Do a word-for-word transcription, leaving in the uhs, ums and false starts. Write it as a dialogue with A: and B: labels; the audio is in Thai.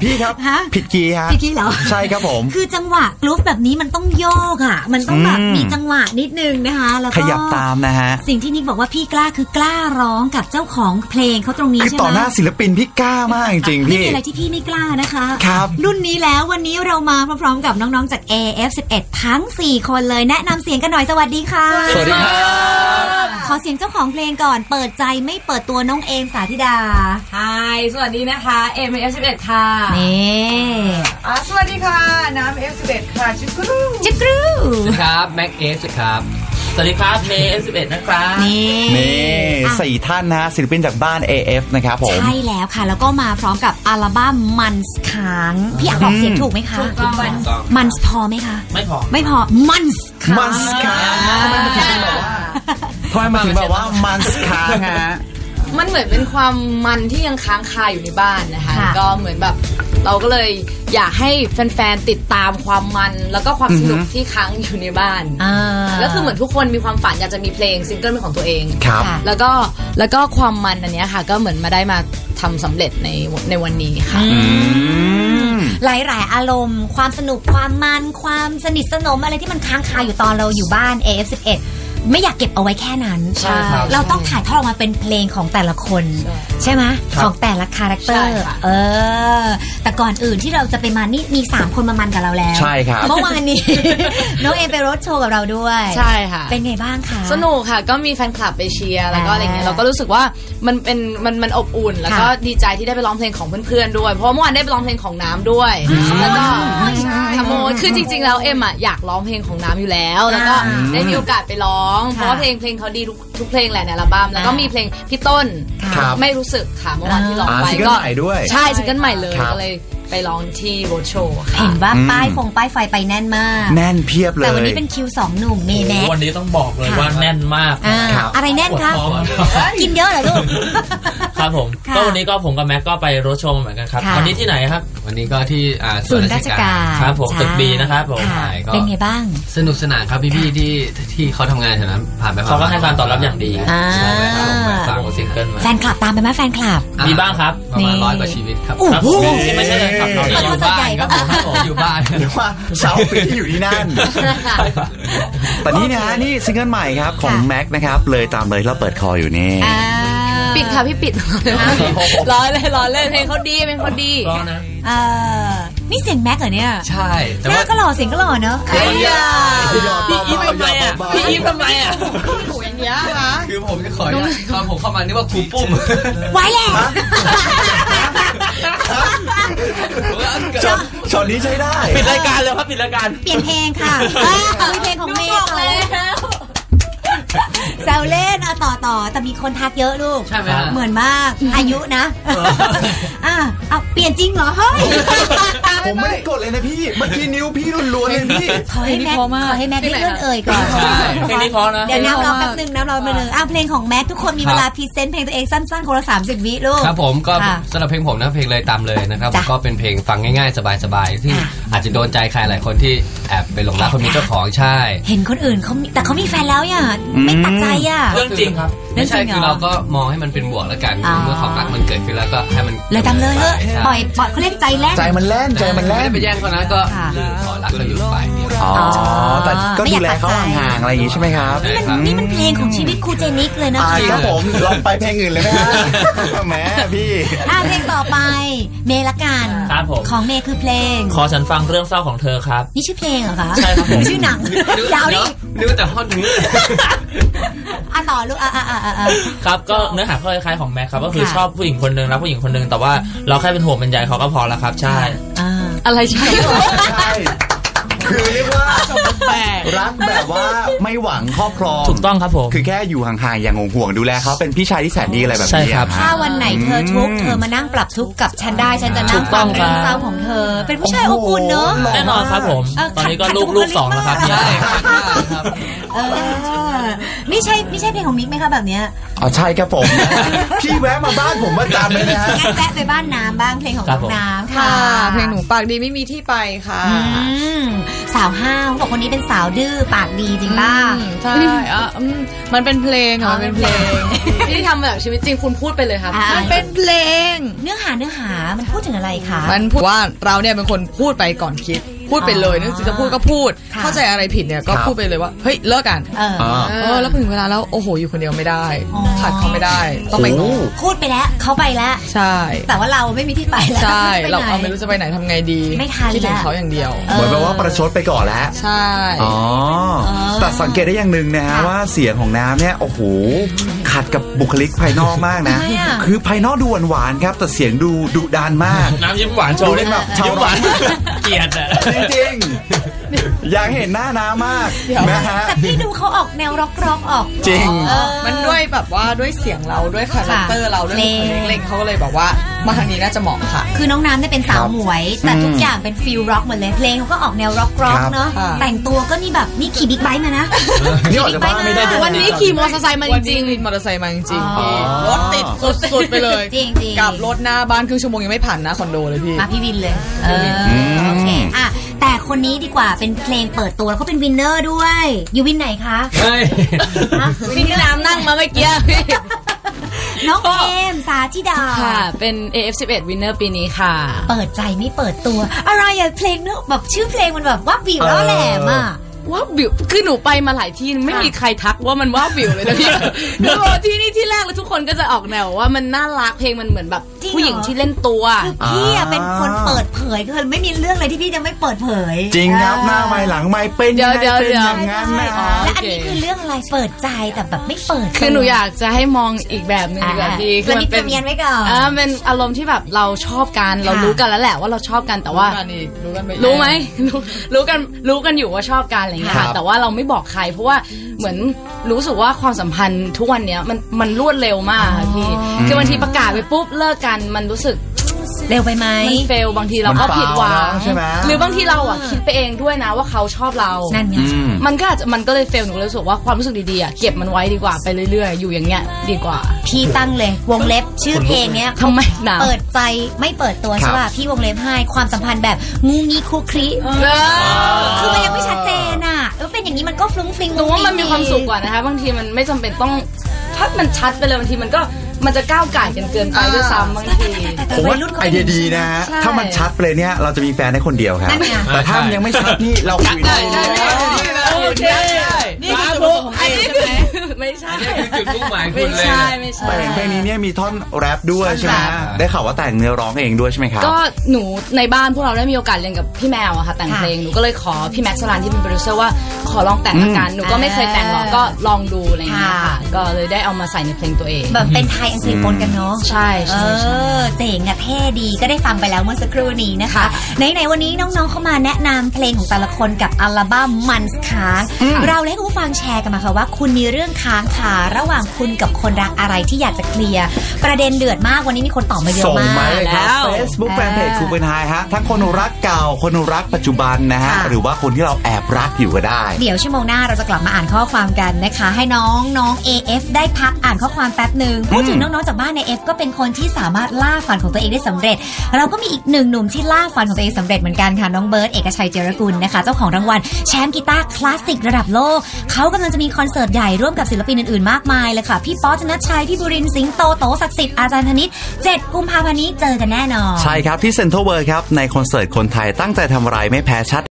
A: พี่ครับผิดคีย์ฮะ
B: ผิดคีย์เหรอ
A: ใช่ครับผม
B: คือจังหวะกรุ๊ปแบบนี้มันต้องโยกอ่ะมันต้องแบบมีจังหวะนิดนึงนะคะแล้วก็
A: ขยับตามนะฮะ
B: สิ่งที่นิกบอกว่าพี่กล้าคือกล้าร้องกับเจ้าของเพลงเขาตรงนี้ใช่ไหม
A: คือต่อหน้าศิลปินพี่กล้ามากจริงๆพี่
B: ไม่มีอะไรที่พี่ไม่กล้านะคะ
A: ครับ
B: รุ่นนี้แล้ววันนี้เรามาพร้อมๆกับน้องๆจาก เอ เอฟ สิบเอ็ด ทั้งสี่คนเลยแนะนำเสียงกันหน่อยสวัสดีค่ะ
A: สวัสดีครับ
B: ขอเสียงเจ้าของเพลงก่อนเปิดใจไม่เปิดตัวน้องเอมสาธิดา
C: ไฮสวัสดีนะคะเอม เอฟ สิบเอ็ด ค่ะ
B: นี่
C: อ่าสวัสดีค่ะน้ำ เอฟ สิบเอ็ด ค่ะจิกรู
B: จิกรู
D: สวัสดีครับแม็กเอฟครับสวัสดีครับเมย์ เอฟ สิบเอ็ด นะครับ
B: นี่
A: นี่สี่ท่านนะศิลปินจากบ้าน เอ เอฟ นะครับผม
B: ใช่แล้วค่ะแล้วก็มาพร้อมกับอัลบั้มมันส์ค้างพี่อ่านออกเสียงถูกไหมคะ
C: ถูกต้อง
B: มันส์พอไหมคะ
D: ไม่พอ
B: ไม่พอมันส์ค้าง
A: มันส์ค้างทำไมมันถึงแบบว่าทำไมมันถึงแบบว่ามันส์ค้างฮะ
C: มันเหมือนเป็นความมันที่ยังค้างคาอยู่ในบ้านนะคะก็เหมือนแบบเราก็เลยอยากให้แฟนๆติดตามความมันแล้วก็ความสนุกที่ค้างอยู่ในบ้านก็คือเหมือนทุกคนมีความฝันอยากจะมีเพลงซิงเกิลเป็นของตัวเองแล้วก็แล้วก็ความมันอันนี้ค่ะก็เหมือนมาได้มาทำสำเร็จในในวันนี้ค่ะ
B: หลายๆอารมณ์ความสนุกความมันความสนิทสนมอะไรที่มันค้างคาอยู่ตอนเราอยู่บ้าน เอ เอฟ สิบเอ็ดไม่อยากเก็บเอาไว้แค่นั้น
D: ใช่ครับ
B: เราต้องถ่ายทอดออกมาเป็นเพลงของแต่ละคนใช่ไหมของแต่ละคาแรคเตอร์เออแต่ก่อนอื่นที่เราจะไปมานี่มีสามคนมามันกับเราแล้ว
A: ใช่ครับ
B: เมื่อวานนี้ น้องเอไปรถโชว์กับเราด้วย
C: ใช่ค่ะ
B: เป็นไงบ้างคะ
C: สนุกค่ะก็มีแฟนคลับไปเชียร์แล้วก็อะไรเงี้ยเราก็รู้สึกว่ามันเป็นมันมันอบอุ่นแล้วก็ดีใจที่ได้ไปร้องเพลงของเพื่อนๆด้วยเพราะเมื่อวานได้ไปร้องเพลงของน้ำด้วยแล้วก็ขโมยคือจริงๆแล้วเอ็มอ่ะอยากร้องเพลงของน้ำอยู่แล้วแล้วก็ได้มีโอกาสไปร้องเพราะว่าเพลงเพลงเขาดีทุกทุกเพลงแหละในอัลบั้มแล้วก็มีเพลงพี่ต้นไม่รู้สึกค่ะเมื่อวานที่ร้องไป
A: ก็
C: ใช่ซิงเกิลใหม่เลยก็เลยไปร้องที่โรดโชว์
B: เห็นว่าป้ายฟงป้ายไฟไปแน่นมาก
A: แน่นเพียบเลย
B: แต่วันนี้เป็นคิวสองหนุ่มเมย์แม็ก
D: วันนี้ต้องบอกเลยว่าแน่นมาก
B: อะไรแน่นคะกินเยอะเหรอลูก
D: ครับผมก็วันนี้ก็ผมกับแม็กก็ไปโรดโชว์เหมือนกันครับวันนี้ที่ไหนครับ
E: วันนี้ก็ที่
B: ศูนย์ราชการ
D: ครับผมตึกบีนะครับผม
B: เป็นไงบ้าง
E: สนุกสนานครับพี่ๆที่ที่เขาทำงานแถวนั้นผ่านไป
D: เขาก็ให้การตอบรับอย่างดี
E: ฟังซิงเกิลมา
B: แฟนคลับตามไปไหมแฟนคลับ
D: มีบ้างครับ
E: ประมาณร้อยกว่าชีวิตครับ
D: ไม่ใช่เลยครับเรา
E: อยู่บ้านครับผมอยู่บ้าน
A: หรือว่าสาวปีที่อยู่ที่นั่นแต่นี่นะนี่ซิงเกิลใหม่ครับของแม็กนะครับเลยตามเลยเราเปิดคออยู่นี่
C: ปิดค่ะพี่ปิดร้อยเลยร้อยเลยเพลงเขาดีเพลงเขาดี
D: ร้อนนะ
B: นี่เสียงแม็กเหรอเนี่ย
E: ใช่
B: แต่ว่าก็หล่อเสียงก็หล่อเนอะ
D: พี่อีฟทำไมอ่ะพี่อีฟทำไมอ่ะ
C: ถูกอย่างเงี้ยคะ
E: คือผมจะขอตอนผมเข้ามานี่ว่าครูปุ้ม
B: ไว้แล้ว
A: ช็อตนี้ใช้ได้
D: ปิดรายการเลยครับปิดรายการ
B: เปลี่ยนเพลงค่ะเพลงของเมย์แซวเล่นอะต่อต่อแต่มีคนทักเยอะลูก
E: ใช่ไหม
B: เหมือนมากอายุนะอ่ะเอาเปลี่ยนจริงเหรอเฮ้ย
A: ผมไม่ได้กดเลยนะพี่เมื่อกี้นิ้วพี่ล้วนๆเลยพี่
B: ขอให้แม็กขอให้แม็กได้เลื่อนเอ่ยก่อน
D: เพลงนี้พอนะ
B: เดี๋ยวน้ำรอแป๊บนึงน้ำรอแป๊บนึงอ่ะเพลงของแม็กทุกคนมีเวลาพรีเซนต์เพลงตัวเองสั้นๆคนละสามสิบวิลูก
E: ครับผมก็สำหรับเพลงผมนะเพลงเลยตามเลยนะครับก็เป็นเพลงฟังง่ายๆสบายๆที่อาจจะโดนใจใครหลายคนที่แอบไปหลงรักคนมีเจ้าของใช่
B: เห็นคนอื่นเขาแต่เขามีแฟนแล้วอ่ะไม่ตัดใจอ่ะ
D: เรื่องจริงครับ
E: ไม่ใช่คือเราก็มองให้มันเป็นบวกแล้วกันเมื่อความรักมันเกิดขึ้นแล้วก็ให้มัน
B: เลยตามเลยปล่อยปล่อยเขาเรียกใจแล่น
A: ใจมันแล่นใจมันแล่น
E: ไม่ได้ไปแย่งเขานะก็ขอรักเขาอยู่ฝ่ายเดียว
A: อ๋อแต่ก็ดูแลเขาห่างๆอะไรอย่างงี้ใช่ไหมครับ
B: นี่มันเพลงของชีวิตครูเจนิกเลยนะคะ
A: ครับผมลองไปเพลงอื่นเลยไหมฮะแหมพี่
B: อ่ะเพลงต่อไปเมย์ละกันของเมย์คือเพลง
D: ขอฉันฟังเรื่องเศร้าของเธอครับ
B: นี่ชื่อเพลงเหรอคะ
D: ใช่ครับผม
B: ชื่อหนังยาวดิ
E: นึกแต่ฮอตนึง
B: อ่ะต่อลูกอ่ะอ่ะอ่ะอ่ะ
D: ครับก็เนื้อหาคล้ายๆของแม็กครับก็คือชอบผู้หญิงคนนึงรักผู้หญิงคนนึงแต่ว่าเราแค่เป็นห่วงเป็นใยเขาก็พอแล้วครับใช่
B: อะไรใช่
A: ใช่คือเรียกว่ารักแบบว่าไม่หวังครอบครอง
D: ถูกต้องครับผม
A: คือแค่อยู่ห่างๆอย่างห่วงๆดูแลเขาเป็นพี่ชายที่แสนดีอะไรแบบนี้
D: ครับ
B: ถ้าวันไหนเธอทุกข์เธอมานั่งปรับทุกข์กับฉันได้ฉันจะนั่งฟังเรื่องเศร้าของเธอเป็นผู้ชายอบอุ่นเนอะ
D: แน่นอนครับผมตอนนี้ก็ลูกลูกสองแล้วครับ
E: ใช่ครับ
B: เออเมนี่ใช่ไม่ใช่เพลงของมิกไหมคะแบบเนี้ย
A: อ๋อใช่ครับผม พี่แวะมาบ้านผมประจำเลยนะฮะ
B: งั้นแวะไปบ้านน้ำบ้างเพลงของน้องน้ำค่ะ
F: ค่ะเพลงหนูปากดีไม่มีที่ไปค่ะ
B: อืมสาวห้าวบอกคนนี้เป็นสาวดื้อปากดีจริงป่ะ
F: อืมใช่อ่ะอืมมันเป็นเพลงค่ะ
B: อ๋อ
F: มันเป็นเพลง
C: ที่ทำมาจากชีวิตจริงคุณพูดไปเลยครับ
B: อ่า
F: มันเป็นเพลง
B: เนื้อหาเนื้อหามันพูดถึงอะไรคะ
F: มันพูดว่าเราเนี่ยเป็นคนพูดไปก่อนคิด พูดไปเลยนึกจะพูดก็พูด
B: ค่ะ
F: เข้าใจอะไรผิดเนี่ยก็
A: ครับ
F: พูดไปเลยว่าเฮ้ยเลิกกัน
B: เออ
A: อ่า
F: เออแล้วพอถึงเวลาแล้วโอ้โหอยู่คนเดียวไม่ได้
B: อ๋อ
F: ขาดเขาไม่ได้ต้องไป
A: โอ้
B: พูดไปแล้วเขาไปแล้ว
F: ใช่
B: แต่ว่าเราไม่มีที่ไปแล้ว
F: ใช่
B: ปหน
F: เราเอาไม่รู้จะไปไหนทำไงดี
B: ไม่ทัน
F: คิดถึง
B: แล้ว
F: เขาอย่างเดียว
A: เหมือนแบบว่าประชดไปก่อนแล้ว
F: ใช่
A: อ๋อ
B: เออ
A: แต่สังเกตได้อย่างหนึ่งนะฮะ
B: ค่ะ
A: ว่าเสียงของน้ำเนี่ยโอ้โหขัดกับบุคลิกภายนอกมากนะ
B: ทำไมอะ
A: คือภายนอกดูหวานๆครับแต่เสียงดูดุดันมาก
D: น้ำยิ้มหวานโชว์ได้แบบ
A: ชาว
D: ยิ้มหวานเกลียดอ่ะ
A: จริงๆอยากเห็นหน้าน้ำมากนะฮะ
B: แต่พี่ดูเขาออกแนวร็อกร็อกๆออก
A: จริง
B: เออ
F: มันด้วยแบบว่าด้วยเสียงเราด้วยคาแรคเตอร์เราด้วยบุคลิกเล็กเขาก็เลยบอกว่ามาทางนี้น่าจะเหมาะค่ะ
B: คือน้องน้ำเนี่ยเป็นสาว
A: ครับ
B: หมวย แต่
A: อืม
B: ทุกอย่างเป็นฟิลร็อกหมดเลยเพลงเขาก็ออกแนวร็อกร็อก
A: ครับ
B: เนาะ
F: ค่ะ
B: แต่งตัวก็นี่แบบนี่ขี่บิ๊กไบค์มานะ
A: นี่ออกจากบ้านไม่ได้ด้วย
C: วันนี้ขี่มอเตอร์ไซค์มาจ
F: วัน
C: ริ
F: นี้
C: ง
F: วินมอเตอร์ไซค์มาจริงๆ
B: อ๋อ
F: พี่รถติดสุดๆไปเลย
B: จริงๆ
F: กลับรถหน้าบ้านครึ่งชั่วโมงยังไม่ผ่านหน้าคอนโดเลยพี่
B: มาพี่วินเลยเออ
A: ม
B: โอเคอ่ะแต่คนนี้ดีกว่าเป็นเพลงเปิดตัวแล้วเขาเป็นวินเนอร์ด้วย อยู่วินไหนคะ
E: เฮ้ย
B: ฮะ
C: ๆพี่น้ำนั่งมาเมื่อกี้
B: น้องเอมสาธิดา
C: ค่ะ เป็น เอ เอฟ สิบเอ็ด winner ปีนี้ค่ะ
B: เปิดใจไม่เปิดตัว อะไรอะเพลงเนอะแบบชื่อเพลงมันแบบว่าวิวแล้วแหลมอะ
C: ว่าวิวคือหนูไปมาหลายที่ไม่มีใครทักว่ามันว่าวิวเลยนะพี่ คือที่นี่ที่แรกแล้วทุกคนก็จะออกแนวว่ามันน่ารักเพลงมันเหมือนแบบ
B: จริงเหรอ
C: ผู้หญิงที่เล่นตัว
B: คือพี่อะเป็นคนเปิดเผยคือไม่มีเรื่องอะไรที่พี่จะไม่เปิดเผย
A: จริงครับหน้าไม่หลังไม่เป็นยังไง
C: เดี๋ยวๆ
A: เป็น
C: เดี๋ยว
A: อย่างนั้นนะ
C: อ๋อ
B: และอันนี้คือเรื่องอะไรเปิดใจแต่แบบไม่เปิด
C: คือหนูอยากจะให้มองอีกแบบหนึงดีกว่าพี่
B: คือมันเป็นเมียนไว้ก่อน
C: อ่าเป็นอารมณ์ที่แบบเราชอบกันเรา
B: ค่ะ
C: รู้กันแล้วแหละว่าเราชอบกันแต่ว่า
F: รู้กันอีกรู้กันไป
C: รู้ไหม รู้รู้กันรู้กันอยู่ว่าชอบกันอะไรอย่างเงี้ย
A: ครั
C: ค่ะ
A: บ
C: แต่ว่าเราไม่บอกใคร เพราะว่าเหมือนรู้สึกว่าความสัมพันธ์ทุกวันเนี้ยมันมันรวดเร็วมากค่ะพี่คือบางทีประกาศไปปุ๊บเลิกกันมันรู้สึก
B: เร็วไปไหม
C: มันเฟลบางทีเราก็
A: มัน
C: ผิดหวัง
A: ใช่ไหม
C: หรือบางทีเราอ่ะคิดไปเองด้วยนะว่าเขาชอบเรา
B: นั่นไง
A: อืม
C: มันก็อาจจะมันก็เลยเฟลหนูเลยรู้สึกว่าความรู้สึกดีๆอ่ะเก็บมันไว้ดีกว่าไปเรื่อยๆอยู่อย่างเงี้ยดีกว่า
B: พี่ตั้งเลยวงเล็บชื่อเพลงเนี้ย
C: ทำไมหนา
B: เปิดใจไม่เปิดตัว
A: ครับ
B: ใช่ป่ะพี่วงเล็บให้ความสัมพันธ์แบบงูงี้คุกคลิคือมันยังไม่ชัดเจนอ่ะเออเป็นอย่างนี้มันก็ฟลุ้งฟลิง
C: หนูว่ามันมีความสุขกว่านะคะบางทีมันไม่จำเป็นต้องถ้ามันชัดไปเลยบางทีมันก็มันจะก้าวไก่กันเกินไปด้วยซ้ำบางที
A: ผมว่าไอเดียดีนะฮะ
C: ใช่
A: ถ้ามันชัดไปเลยเนี่ยเราจะมีแฟนได้คนเดียวครับ
B: นั่นไง
A: แต่ถ้ามันยังไม่ชัดนี่เราคุยได้
C: โอเค
F: นี่คือจุดประสงค์ของ
C: อัน
F: เอ
C: นี้
F: ง
C: คื
F: ใช่
C: อ
F: ไหม
C: ไม่ใช่
E: นี่คือจุดมุ่งหมายคุ
C: ไม่
E: ณเลย
C: ใช่
E: นะ
C: ไม่ใช่
A: แต่เพลงนี้เนี่ยมีท่อนแรปด้วยใช่ไหม
C: แรป
A: ได้ข่าวว่าแต่งเนื้อร้องเองด้วยใช่ไหมครับ
C: ก็หนูในบ้านพวกเราได้มีโอกาสเรียนกับพี่แมวอะค่ะแต่ง
B: ค่ะ
C: เพลงหนูก็เลยขอพี่แม็กซ์สลันที่เป็นโปรดิวเซอร์ว่าขอลองแต่งละกันหนูก็ไม่เคยแต่งหรอกก็ลองดูอะไรอย่างเงี้ย
B: ค่ะ
C: ค่ะก็เลยได้เอามาใส่ในเพลงตัวเอง
B: แบบเป็นไทยอังกฤษปนกันเนาะ
C: ใช่
B: เอ
C: ใช่ใช่
B: อเจ๋งอะเท่ดีก็ได้ฟังไปแล้วเมื่อสักครู่นี้นะคะ
C: ค่ะ
B: ไหนๆวันนี้น้องๆเข้ามาแนะนำเพลงของแต่ละคนกับอัลบั้มมันส์ค้างเราเลยให้คุณผู้ฟังแชร์กันมาค่ะว่าคุณมีเรื่องค้างคาระหว่างคุณกับคนรักอะไรที่อยากจะเคลียร์ประเด็นเดือดมากวันนี้มีคนตอบมาเยอะ
A: ส่ง
B: มาก
A: มาเลยครับ
C: แล้ว
A: Facebook
B: เออ
A: Fanpage ครูเป็นไฮฮะ ทั้งคนรักเก่า คนรักปัจจุบันนะฮะ
B: ค่ะ
A: หรือว่าคนที่เราแอบรักอยู่ก็ได้
B: เดี๋ยวชั่วโมงหน้าเราจะกลับมาอ่านข้อความกันนะคะ ให้น้องน้อง เอ เอฟ ได้พักอ่านข้อความแป๊บหนึ่งพูดถึงน้องๆจากบ้านใน F ก็เป็นคนที่สามารถล่าฝันของตัวเองได้สำเร็จ เราก็มีอีกหนึ่งหนุ่มที่ล่าฝันของตัวเองสำเร็จเหมือนกันค่ะน้องเบิร์ตเอกชัยเจรกุลนะคะเจ้าของรางวัลแชมป์กีตาร์คลาสสิกระดับโลกเขากำลังจะมีคอนเสิร์ตใหญ่ร่วมกับศิลปินอื่นๆมากมายเลยค่ะพี่ป๊อธนชชัยพี่บุรินทร์สิงโตโตศักดิ์สิทธิ์อาจารย์ธนิตเจ็ดกุมภาพันธ์นี้เจอกันแน่นอน
A: ใช่ครับที่เซ็นทรัลเวิลด์ครับในคอนเสิร์ตคนไทยตั้งใจทำอะไรไม่แพ้ชาติ